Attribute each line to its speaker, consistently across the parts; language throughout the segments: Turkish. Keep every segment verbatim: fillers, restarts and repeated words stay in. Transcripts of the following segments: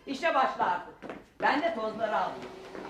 Speaker 1: İşe başla artık. Ben de tozları alayım.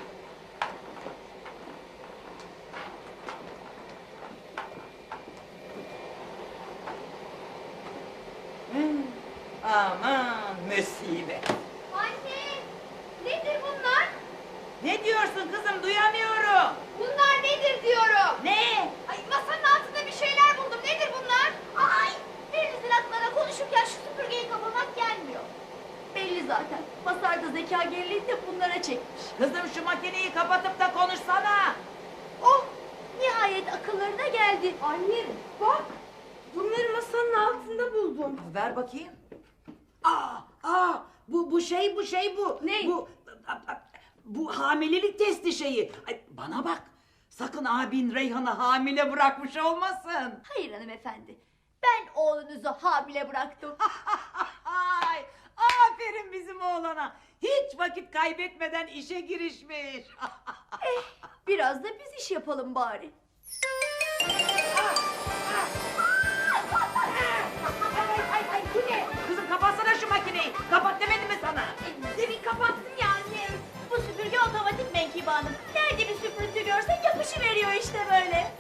Speaker 1: Hmm, aman musibet.
Speaker 2: Anne! Nedir bunlar?
Speaker 1: Ne diyorsun kızım, duyamıyorum.
Speaker 2: Bunlar nedir diyorum.
Speaker 1: Ne?
Speaker 2: Ay masanın altında bir şeyler buldum. Nedir bunlar? Ay! Birinizin aklına konuşurken şu süpürgeyi kapamak gelmiyor. Belli zaten. Masarda zeka geriliğini de bunlara çekmiş.
Speaker 1: Kızım şu makineyi kapatıp da konuşsana.
Speaker 2: Oh! Nihayet akıllarına geldi.
Speaker 3: Anne bak, bunları masanın altında buldum.
Speaker 1: Ver bakayım. Aa, aa, bu bu şey bu şey bu.
Speaker 3: Ne?
Speaker 1: Bu bu hamilelik testi şeyi. Ay, bana bak. Sakın abin Reyhan'ı hamile bırakmış olmasın.
Speaker 2: Hayır hanımefendi. Ben oğlunuzu hamile bıraktım.
Speaker 1: Ay, aferin bizim oğlana. Hiç vakit kaybetmeden işe girişmiş.
Speaker 2: Eh, biraz da biz iş yapalım bari.
Speaker 1: Ay, ay, ay, bu ne? Kızım kapatsana şu makineyi. Kapat demedim mi sana?
Speaker 2: E, demin kapattım ya anne. Bu süpürge otomatik Menkibe Hanım. Nerede bir süprüntü görse yapışıveriyor işte böyle.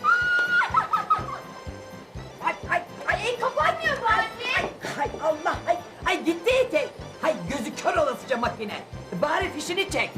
Speaker 1: Ay, ay, ay.
Speaker 2: Ay, kapanmıyor bu anne.
Speaker 1: Hay Allah, hay, hay gitti etek. Hay gözü kör olasıca makine. Bari fişini çek.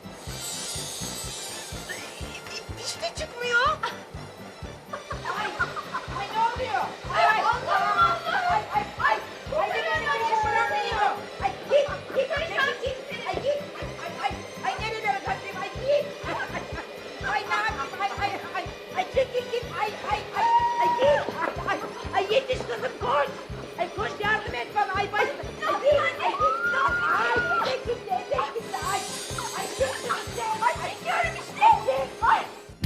Speaker 1: Fiş de çıkmıyor. Ay, ay ne oluyor? Ay, ay,
Speaker 2: Allah'ım, Allah'ım.
Speaker 1: Ay, ay, ay. Ay, ne böyle bir şey bırakmıyor. Ay, git, git,
Speaker 2: Perişan
Speaker 1: git, git. Ay, git. Ay, ay, ay, ay, nerelere kaçayım? Ay, git. Ay, ay, ay, ne yapayım? Ay, ay, ay, ay, çekil git. Ay, ay, ay, ay, git. Ay, ay, ay, yetiş kızım, koş. Ay, koş yardım et bana. Ay, baş. Ay, git, ay, git. Ay, etek gitti, etek gitti. Ay, ay, çekil işte. Ay, çekiyorum işte. Ay.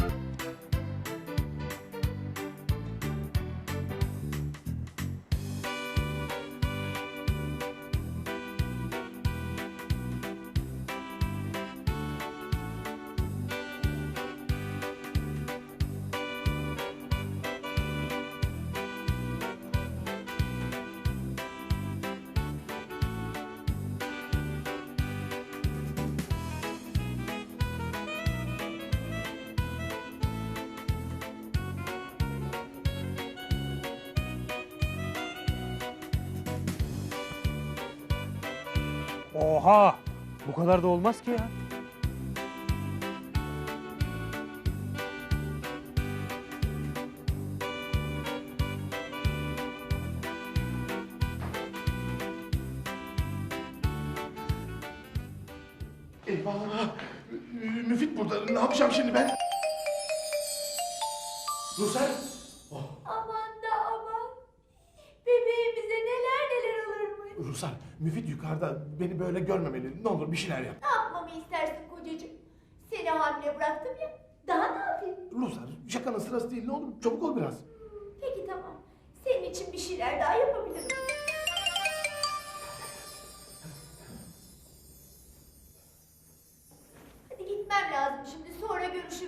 Speaker 4: Oha! Bu kadar da olmaz ki ya.
Speaker 5: Eyvah! Müfit burada. Ne yapacağım şimdi ben? Rusar! Oh,
Speaker 2: Aman da aman. Bebeğimize neler neler olurmuş.
Speaker 5: Rusar, Müfit yukarıda. Beni böyle görmemeli. Ne olur bir şeyler yap.
Speaker 2: Ne yapmamı istersin kocacığım? Seni hamile bıraktım ya. Daha ne yapayım?
Speaker 5: Rusar, şakanın sırası değil. Ne olur çabuk ol biraz.
Speaker 2: Peki tamam. Senin için bir şeyler daha yapabilirim. Hadi gitmem lazım şimdi. Sonra görüşürüz.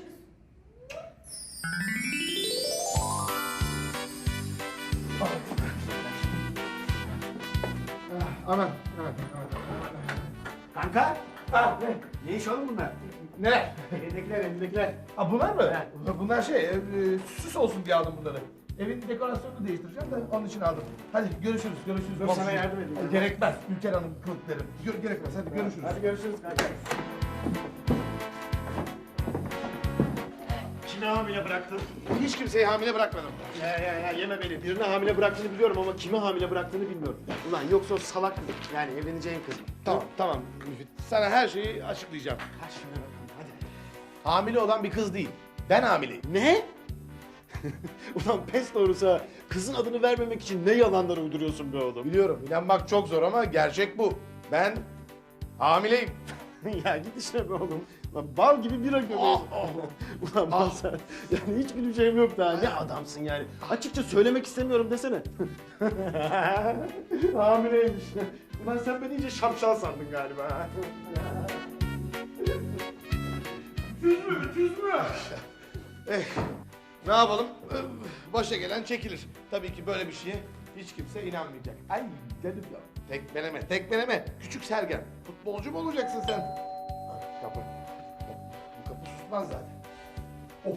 Speaker 5: Aman, aman, aman.
Speaker 6: Kanka,
Speaker 5: Ah, ne?
Speaker 6: ne iş oğlum bunlar?
Speaker 5: Neler?
Speaker 6: Elindekiler, elindekiler.
Speaker 5: Ha bunlar mı?
Speaker 6: Evet.
Speaker 5: Bunlar şey, e, e, süs olsun diye aldım bunları. Evin dekorasyonunu değiştireceğim de onun için aldım. Hadi görüşürüz, görüşürüz.
Speaker 6: Dur,
Speaker 5: komşu.
Speaker 6: sana yardım edeyim.
Speaker 5: Ay, Gerekmez, Ülker Hanım kılıklarım. Gö- gerekmez, hadi görüşürüz.
Speaker 6: Hadi görüşürüz kanka. Kimi hamile bıraktın?
Speaker 5: Hiç kimseyi hamile bırakmadım.
Speaker 6: Ya ya ya yeme beni. Birini hamile bıraktığını biliyorum ama kimi hamile bıraktığını bilmiyorum. Ulan yoksa o salak kız. Yani evleneceğin kız.
Speaker 5: Tamam, tamam Müfit. Sana her şeyi açıklayacağım.
Speaker 6: Ha şimdi bakalım hadi.
Speaker 5: Hamile olan bir kız değil. Ben hamileyim.
Speaker 6: Ne? Ulan pes doğrusu kızın adını vermemek için ne yalanlar uyduruyorsun be oğlum.
Speaker 5: Biliyorum, inanmak çok zor ama gerçek bu. Ben hamileyim.
Speaker 6: Ya git işine be oğlum. Lan bal gibi bira göbeği.
Speaker 5: Oh, oh.
Speaker 6: Ulan
Speaker 5: Ah.
Speaker 6: bal sen. Yani hiç güleceğim yok daha. Ne adamsın yani. Açıkça söylemek istemiyorum desene. Hamileymiş. Ulan sen beni iyice şapşal sandın galiba. Tüz mü? Tüz mü?
Speaker 5: Eh, ne yapalım? Başa gelen çekilir. Tabii ki böyle bir şeye hiç kimse inanmayacak. Ay canım ya. Tekmeleme, tekmeleme. Küçük Sergen. Futbolcu mu olacaksın sen? Ah, kapı. Bu kapı susmaz zaten. Oh.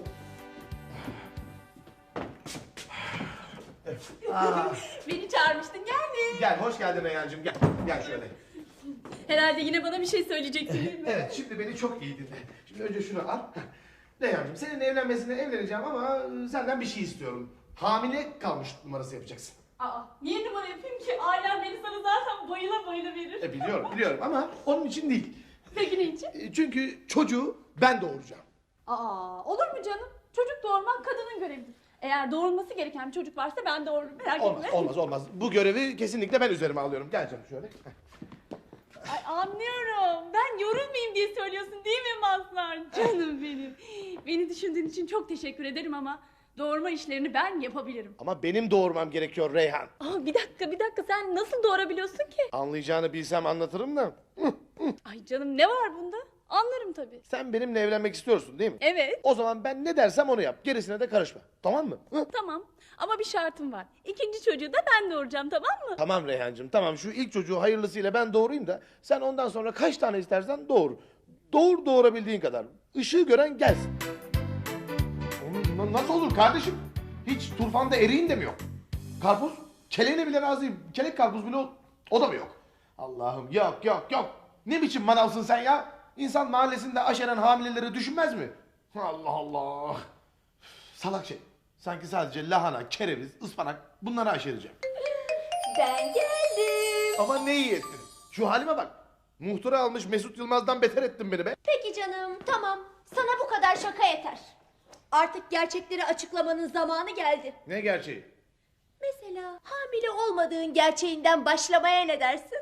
Speaker 5: Ah.
Speaker 3: Beni çağırmıştın geldim.
Speaker 5: Gel, hoş geldin Reyhancığım. Gel, gel şöyle.
Speaker 3: Herhalde yine bana bir şey söyleyeceksin değil mi?
Speaker 5: Evet, şimdi beni çok iyi dinle. Şimdi önce şunu al. Reyhancığım, seninle evlenmesine evleneceğim ama senden bir şey istiyorum. Hamile kalmış numarası yapacaksın.
Speaker 3: Aa, niye numara yapayım ki? Ailem beni sana zaten bayıla bayıla verir.
Speaker 5: E, biliyorum, biliyorum ama onun için değil.
Speaker 3: Peki ne için?
Speaker 5: E, çünkü çocuğu ben doğuracağım.
Speaker 3: Aa, olur mu canım? Çocuk doğurmak kadının görevidir. Eğer doğurulması gereken bir çocuk varsa ben doğururum. Merak
Speaker 5: Olmaz,
Speaker 3: etme.
Speaker 5: olmaz, olmaz. Bu görevi kesinlikle ben üzerime alıyorum. Gel canım şöyle.
Speaker 3: Ay, anlıyorum. Ben yorulmayayım diye söylüyorsun değil mi Mazhar? Canım benim. Beni düşündüğün için çok teşekkür ederim ama doğurma işlerini ben yapabilirim.
Speaker 5: Ama benim doğurmam gerekiyor Reyhan.
Speaker 3: Aa, bir dakika bir dakika sen nasıl doğurabiliyorsun ki?
Speaker 5: Anlayacağını bilsem anlatırım da.
Speaker 3: Ay canım ne var bunda? Anlarım tabii.
Speaker 5: Sen benimle evlenmek istiyorsun değil mi?
Speaker 3: Evet.
Speaker 5: O zaman ben ne dersem onu yap. Gerisine de karışma. Tamam mı? Hı?
Speaker 3: Tamam ama bir şartım var. İkinci çocuğu da ben doğuracağım tamam mı?
Speaker 5: Tamam Reyhancığım, tamam. Şu ilk çocuğu hayırlısıyla ben doğurayım da sen ondan sonra kaç tane istersen doğur. Doğur doğurabildiğin kadar. Işığı gören gelsin. Oğlum, nasıl olur kardeşim? Hiç turfanda eriğin de mi yok? Karpuz? Keleğine bile razıyım. Kelek karpuz bile o, o da mı yok? Allah'ım yok yok yok. Ne biçim manavsın sen ya? İnsan mahallesinde aşeren hamileleri düşünmez mi? Allah Allah. Salak şey. Sanki sadece lahana, kereviz, ıspanak bunları aşereceğim.
Speaker 2: Ben geldim.
Speaker 5: Ama ne iyi ettin. Şu halime bak. Muhtıra almış Mesut Yılmaz'dan beter ettin beni be.
Speaker 2: Peki canım tamam. Sana bu kadar şaka yeter. Artık gerçekleri açıklamanın zamanı geldi.
Speaker 5: Ne gerçeği?
Speaker 2: Mesela hamile olmadığın gerçeğinden başlamaya ne dersin?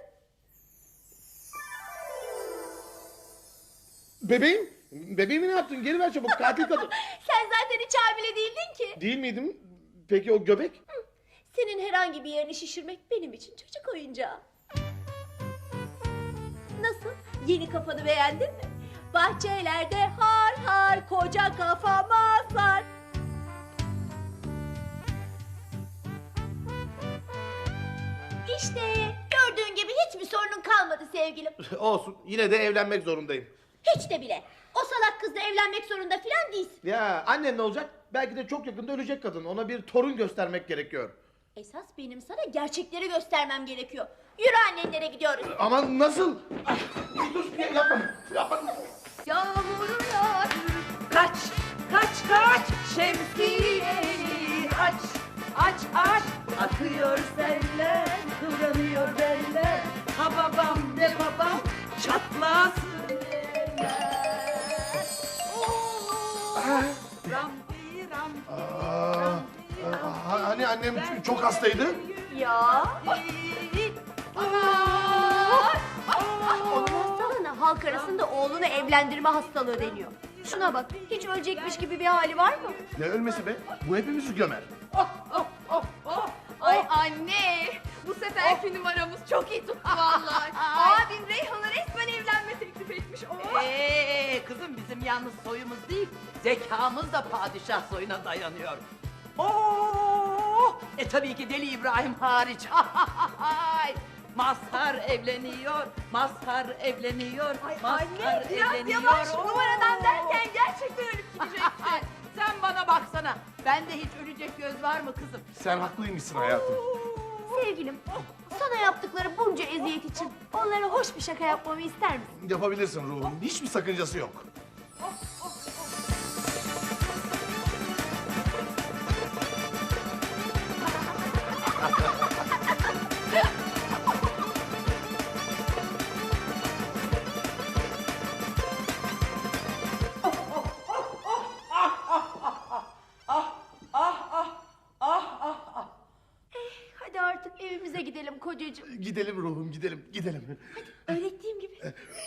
Speaker 5: Bebeğim? Bebeğimi ne yaptın? Geri ver çabuk. Katil kadın.
Speaker 2: Sen zaten hiç hamile değildin ki.
Speaker 5: Değil miydim? Peki o göbek?
Speaker 2: Senin herhangi bir yerini şişirmek benim için çocuk oyuncağı. Nasıl? Yeni kafanı beğendin mi? Bahçelerde har har koca kafama sar. İşte gördüğün gibi hiçbir sorunun kalmadı sevgilim.
Speaker 5: Olsun. Yine de evlenmek zorundayım.
Speaker 2: Hiç de bile. O salak kızla evlenmek zorunda filan değilsin.
Speaker 5: Ya annen ne olacak? Belki de çok yakında ölecek kadın. Ona bir torun göstermek gerekiyor.
Speaker 2: Esas benim sana gerçekleri göstermem gerekiyor. Yürü annenlere gidiyoruz.
Speaker 5: Ama nasıl? Ah, dur yapma. Yapma.
Speaker 1: Yağmur yağar. Kaç, kaç, kaç. Şemsiyeni aç, aç, aç. Akıyor seller, kıvranıyor beller. Ha babam ne babam, çatlasın eller.
Speaker 5: Ah.
Speaker 1: Rampi, rampi.
Speaker 5: Aa, aa, hani annem çok hastaydı?
Speaker 2: Ya. Onun hastalığına halk arasında oğlunu evlendirme hastalığı deniyor. Şuna bak, hiç ölecekmiş gibi bir hali var mı?
Speaker 5: Ne ölmesi be? Bu hepimizi gömer.
Speaker 3: Ay anne bu seferki numaramız çok iyi tuttu vallahi. Abim Reyhan'a resmen evlenme teklif etmiş. Oh.
Speaker 1: Ee kızım bizim yalnız soyumuz değil, zekamız da padişah soyuna dayanıyor. Oo! E tabii ki Deli İbrahim hariç. Mazhar evleniyor, Mazhar evleniyor, Mazhar
Speaker 3: Anne biraz
Speaker 1: evleniyor.
Speaker 3: yavaş
Speaker 1: Oo!
Speaker 3: numaradan derken gerçekten ölüp gidecekti.
Speaker 1: Sen bana baksana, bende hiç ölecek göz var mı kızım?
Speaker 5: Sen haklıymışsın hayatım.
Speaker 2: Sevgilim, sana yaptıkları bunca eziyet için onlara hoş bir şaka yapmamı ister misin?
Speaker 5: Yapabilirsin ruhum. Hiçbir sakıncası yok.
Speaker 2: Hadi artık evimize gidelim kocacığım.
Speaker 5: Gidelim ruhum, gidelim, gidelim.
Speaker 2: Öğrettiğim gibi.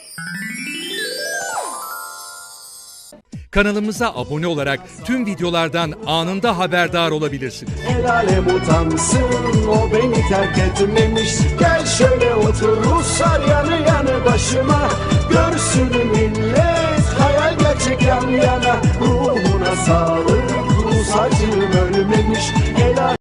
Speaker 7: Kanalımıza abone olarak tüm videolardan anında haberdar olabilirsiniz.
Speaker 8: El alem utansın, o beni terk etmemiş. Gel şöyle otur Ruslar yanı yanı başıma. Görsün millet hayal gerçek yan yana. Ruhuna sağlık, Rus acım ölmemiş. El alem-